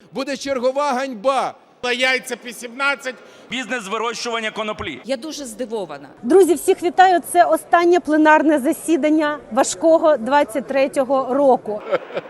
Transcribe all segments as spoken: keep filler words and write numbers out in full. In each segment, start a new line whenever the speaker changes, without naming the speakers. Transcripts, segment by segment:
буде чергова ганьба.
Яйця по сімнадцять.
Бізнес з вирощування коноплі.
Я дуже здивована.
Друзі, всіх вітаю. Це останнє пленарне засідання важкого двадцять третього року.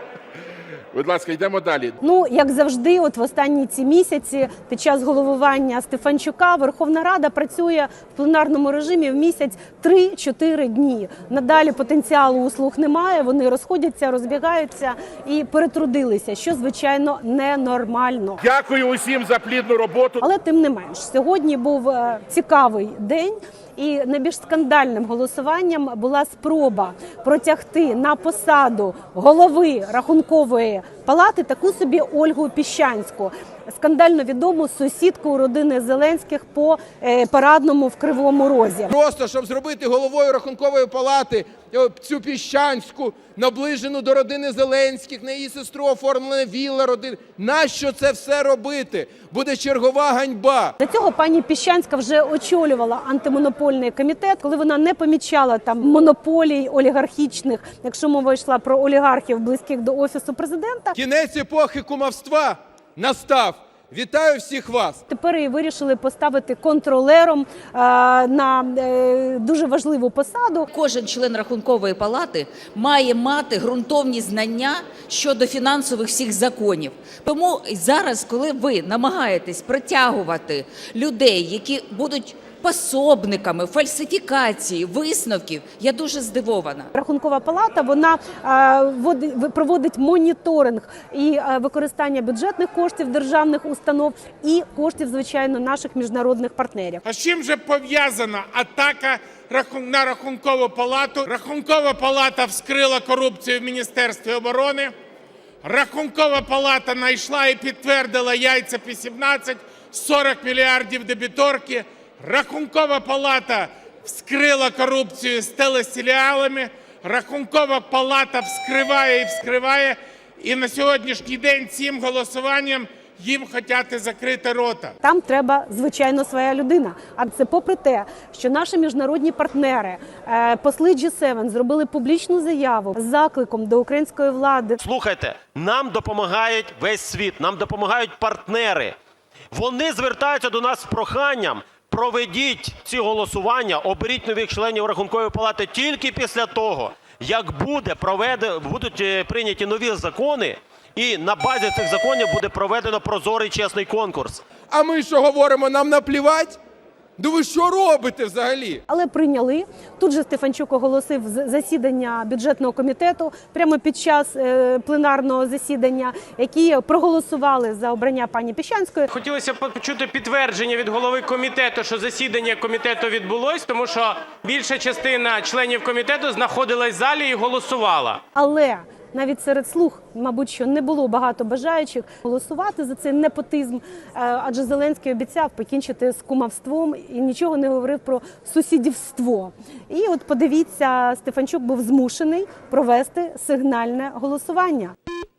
Будь ласка, йдемо далі.
Ну, як завжди, от в останні ці місяці під час головування Стефанчука Верховна Рада працює в пленарному режимі в місяць три-чотири дні. Надалі потенціалу у слуг немає, вони розходяться, розбігаються і перетрудилися, що, звичайно, ненормально.
Дякую усім за плідну роботу.
Але тим не менш, сьогодні був е, цікавий день. І найбільш скандальним голосуванням була спроба протягти на посаду голови Рахункової палати таку собі Ольгу Піщанську, скандально відому сусідку родини Зеленських по е, Парадному в Кривому Розі.
Просто, щоб зробити головою Рахункової палати цю Піщанську, наближену до родини Зеленських, на її сестру оформлена вілла родини. Нащо це все робити? Буде чергова ганьба.
Для цього пані Піщанська вже очолювала антимонопольний комітет, коли вона не помічала там монополій олігархічних, якщо мова йшла про олігархів, близьких до Офісу президента.
Кінець епохи кумівства настав. Вітаю всіх вас!
Тепер її вирішили поставити контролером е, на е, дуже важливу посаду.
Кожен член Рахункової палати має мати ґрунтовні знання щодо фінансових всіх законів. Тому зараз, коли ви намагаєтесь притягувати людей, які будуть пособниками фальсифікації висновків, я дуже здивована.
Рахункова палата, вона е, водить, проводить моніторинг і е, використання бюджетних коштів державних установ і коштів, звичайно, наших міжнародних партнерів.
А з чим же пов'язана атака на Рахункову палату? Рахункова палата вскрила корупцію в Міністерстві оборони. Рахункова палата знайшла і підтвердила яйця по сімнадцять, сорок мільярдів дебіторки. Рахункова палата вскрила корупцію з телесеріалами. Рахункова палата вскриває і вскриває. І на сьогоднішній день цим голосуванням їм хочуть закрити рота.
Там треба, звичайно, своя людина. А це попри те, що наші міжнародні партнери, посли джі севен, зробили публічну заяву з закликом до української влади.
Слухайте, нам допомагають весь світ, нам допомагають партнери. Вони звертаються до нас з проханням: проведіть ці голосування, оберіть нових членів Рахункової палати тільки після того, як буде проведено, будуть прийняті нові закони, і на базі цих законів буде проведено прозорий чесний конкурс.
А ми що говоримо, нам наплівать? Ну ви що робите взагалі?
Але прийняли. Тут же Стефанчук оголосив засідання бюджетного комітету прямо під час е, пленарного засідання, які проголосували за обрання пані Піщанської.
Хотілося б почути підтвердження від голови комітету, що засідання комітету відбулось, тому що більша частина членів комітету знаходилась в залі і голосувала.
Але навіть серед слуг, мабуть, що не було багато бажаючих голосувати за цей непотизм, адже Зеленський обіцяв покінчити з кумівством і нічого не говорив про сусідівство. І от подивіться, Стефанчук був змушений провести сигнальне голосування.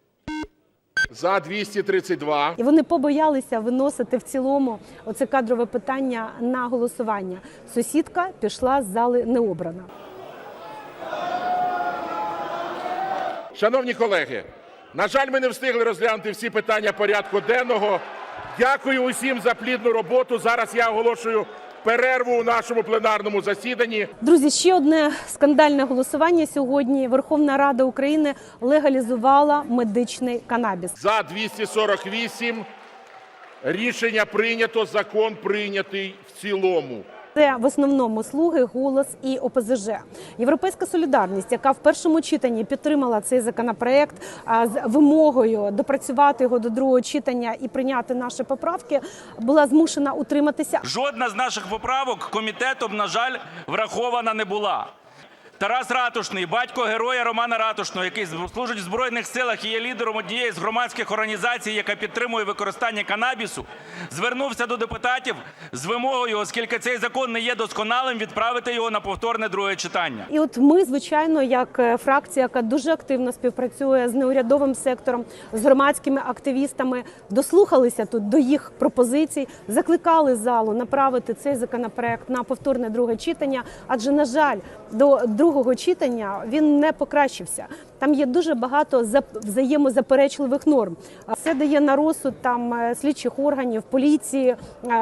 За двісті тридцять два.
І вони побоялися виносити в цілому оце кадрове питання на голосування. Сусідка пішла з зали необрана.
Шановні колеги, на жаль, ми не встигли розглянути всі питання порядку денного. Дякую усім за плідну роботу. Зараз я оголошую перерву у нашому пленарному засіданні.
Друзі, ще одне скандальне голосування сьогодні. Верховна Рада України легалізувала медичний канабіс.
За двісті сорок вісім. Рішення прийнято, закон прийнятий в цілому.
Це в основному «Слуги», «Голос» і О Пе Зе Же. Європейська солідарність, яка в першому читанні підтримала цей законопроект з вимогою допрацювати його до другого читання і прийняти наші поправки, була змушена утриматися.
Жодна з наших поправок комітетом, на жаль, врахована не була. Тарас Ратушний, батько героя Романа Ратушного, який служить в Збройних силах і є лідером однієї з громадських організацій, яка підтримує використання канабісу, звернувся до депутатів з вимогою, оскільки цей закон не є досконалим, відправити його на повторне друге читання.
І от ми, звичайно, як фракція, яка дуже активно співпрацює з неурядовим сектором, з громадськими активістами, дослухалися тут до їх пропозицій, закликали залу направити цей законопроект на повторне друге читання, адже, на жаль, до другого другого читання він не покращився. Там є дуже багато взаємозаперечливих норм. Це дає на розсуд там слідчих органів, поліції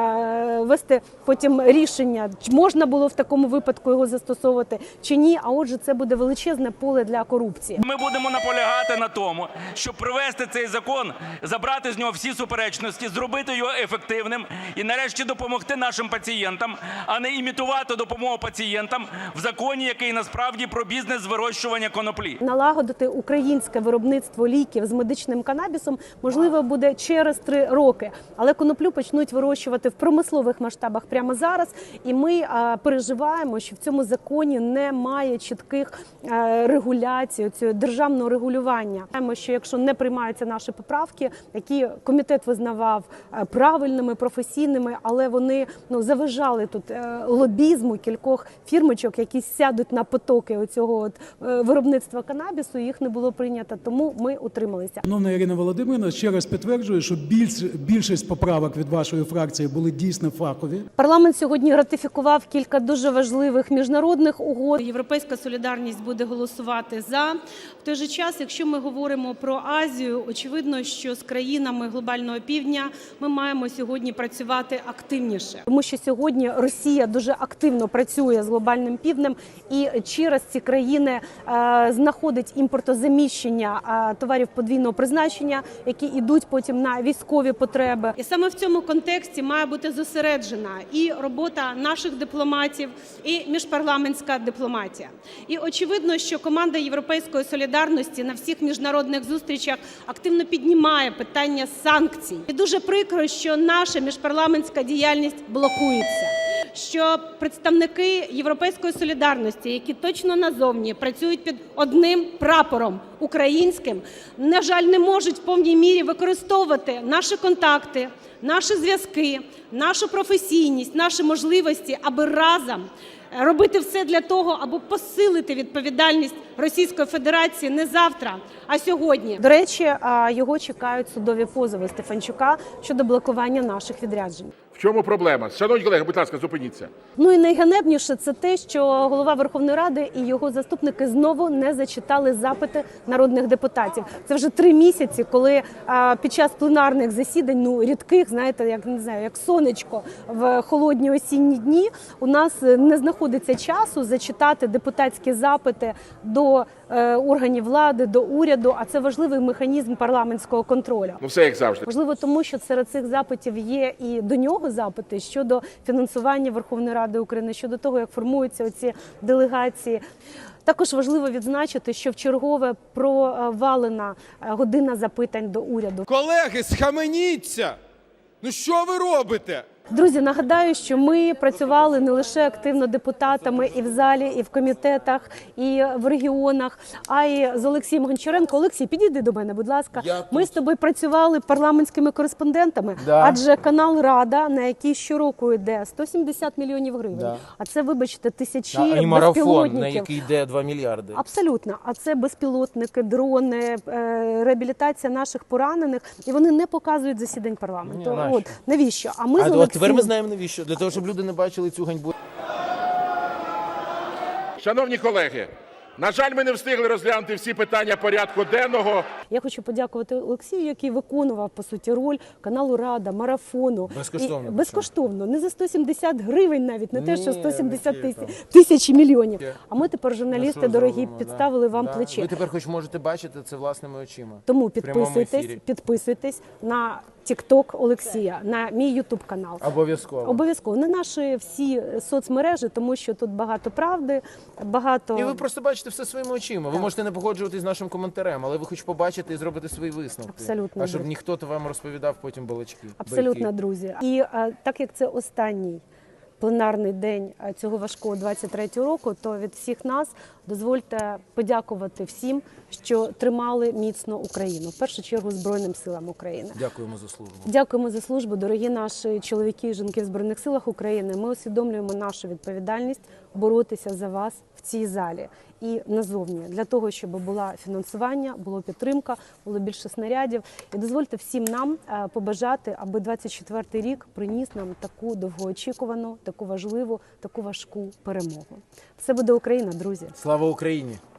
вести потім рішення, чи можна було в такому випадку його застосовувати, чи ні. А отже, це буде величезне поле для корупції.
Ми будемо наполягати на тому, щоб привести цей закон, забрати з нього всі суперечності, зробити його ефективним і нарешті допомогти нашим пацієнтам, а не імітувати допомогу пацієнтам в законі, який насправді про бізнес з вирощування коноплі.
Налагодити українське виробництво ліків з медичним канабісом можливо буде через три роки, але коноплю почнуть вирощувати в промислових масштабах прямо зараз, і ми а, переживаємо, що в цьому законі немає чітких а, регуляцій, цього державного регулювання. Знаємо, що якщо не приймаються наші поправки, які комітет визнавав а, правильними, професійними, але вони ну, заважали тут а, лобізму кількох фірмочок, які сядуть на потоки оцього от, а, виробництва канабісу, їх не було прийнято, тому ми утрималися.
Шановна Ірина Володимирівна, ще раз підтверджую, що більш, більшість поправок від вашої фракції були дійсно фахові.
Парламент сьогодні ратифікував кілька дуже важливих міжнародних угод.
Європейська солідарність буде голосувати за. В той же час, якщо ми говоримо про Азію, очевидно, що з країнами глобального півдня ми маємо сьогодні працювати активніше.
Тому що сьогодні Росія дуже активно працює з глобальним півднем і через ці країни е, знаходить імпортозаміщення е, товарів подвійного призначення, які йдуть потім на військові потреби.
І саме в цьому контексті має бути зосереджена і робота наших дипломатів, і міжпарламентська дипломатія. І очевидно, що команда Європейської солідарності на всіх міжнародних зустрічах активно піднімає питання санкцій. І дуже прикро, що наша міжпарламентська діяльність блокується. Що представники Європейської солідарності, які точно назовні працюють під одним прапором українським, на жаль, не можуть в повній мірі використовувати наші контакти, наші зв'язки, нашу професійність, наші можливості, аби разом робити все для того, аби посилити відповідальність Російської Федерації не завтра, а сьогодні.
До речі, його чекають судові позови Стефанчука щодо блокування наших відряджень.
В чому проблема? Шановні колеги, будь ласка, зупиніться.
Ну і найганебніше це те, що голова Верховної Ради і його заступники знову не зачитали запити народних депутатів. Це вже три місяці, коли а, під час пленарних засідань, ну рідких, знаєте, як не знаю, як сонечко в холодні осінні дні, у нас не знаходиться часу зачитати депутатські запити до е, органів влади, до уряду. А це важливий механізм парламентського контролю.
Ну все як завжди.
Важливо тому, що серед цих запитів є і до нього запити щодо фінансування Верховної Ради України, щодо того, як формуються оці делегації. Також важливо відзначити, що вчергове провалена година запитань до уряду.
Колеги, схаменіться! Ну що ви робите?
Друзі, нагадаю, що ми працювали не лише активно депутатами і в залі, і в комітетах, і в регіонах, а й з Олексієм Гончаренко. Олексій, підійди до мене, будь ласка.
Я
ми з тобою працювали парламентськими кореспондентами,
Да.
адже канал «Рада», на який щороку йде сто сімдесят мільйонів гривень,
Да.
а це, вибачте, тисячі
А і марафон,
безпілотників.
на який йде два мільярди.
Абсолютно. А це безпілотники, дрони, е, реабілітація наших поранених. І вони не показують засідань парламенту.
Ні, нащо?
От, навіщо? А ми
А
з
от
Олексієм...
тепер ми знаємо навіщо. Для того, щоб люди не бачили цю ганьбу.
Шановні колеги, на жаль, ми не встигли розглянути всі питання порядку денного.
Я хочу подякувати Олексію, який виконував, по суті, роль каналу «Рада», марафону.
Безкоштовно.
І, безкоштовно. Не за сто сімдесят гривень навіть, не те, що
Ні,
сто сімдесят
які
тисяч, тисячі мільйонів.
Є.
А ми тепер, журналісти
Ми
дорогі,
зробимо,
підставили
да.
вам
Да.
плече.
Ви тепер хоч можете бачити це власними очима.
Тому
В прямому
підписуйтесь,
ефірі.
підписуйтесь на TikTok Олексія, на мій ютуб канал.
Обов'язково.
Обов'язково. На наші всі соцмережі, тому що тут багато правди, багато...
І ви просто бачите все своїми очима. Ви можете не погоджуватись з нашим коментарем, але ви хоч побачите і зробите свої висновки.
Абсолютно,
А щоб
друзі.
ніхто то вам розповідав потім балачки.
Абсолютно,
байки.
друзі. І а, так як це останній пленарний день а, цього важкого двадцять третього року, то від всіх нас дозвольте подякувати всім, що тримали міцно Україну. В першу чергу Збройним силам України.
Дякуємо за службу.
Дякуємо за службу, дорогі наші чоловіки і жінки в Збройних силах України. Ми усвідомлюємо нашу відповідальність боротися за вас в цій залі. і назовні, для того, щоб було фінансування, було підтримка, було більше снарядів. І дозвольте всім нам е, побажати, аби двадцять четвертий рік приніс нам таку довгоочікувану, таку важливу, таку важку перемогу. Все буде Україна, друзі!
Слава Україні!